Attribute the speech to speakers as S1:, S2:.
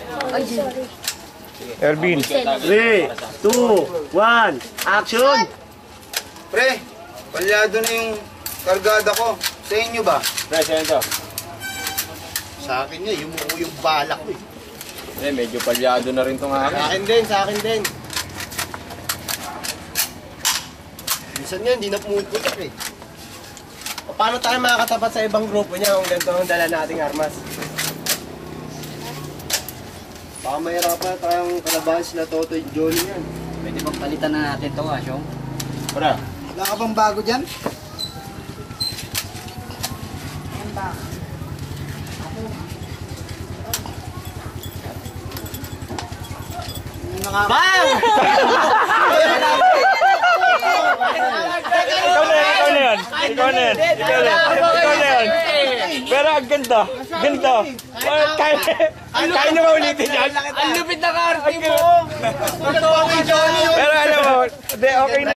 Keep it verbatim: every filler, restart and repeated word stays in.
S1: Ay, sorry.
S2: Ervin.
S3: three, two, one, action!
S4: Pre, palyado na yung kargada ko. Sa inyo ba?
S2: Pre, sa'yo to.
S4: Sa akin nga, yung, yung balak ko eh.
S2: Eh, medyo palyado na rin itong
S3: Sa
S2: akin.
S3: akin din, sa akin din. Minsan nga, hindi na pumuputok eh. O, paano tayo makakatapat sa ibang grupo niya kung ganito ang dala nating armas? Baka mahirapan tayong kalabahan sila Toto at Johnny yan.
S1: Pwede bang palitan na natin ito, Asyong?
S2: Para.
S4: Wala ka bang bago dyan?
S3: Bang!
S2: Ikaw na yan, ikaw na yan. Ikaw na yan. Ikaw na yan. Ikaw na yan. Pero ang ganda. Ganda. Kaya, kaya na maulitin yan.
S1: Ang lupit na karte mo!
S2: Pero alam mo, okay na.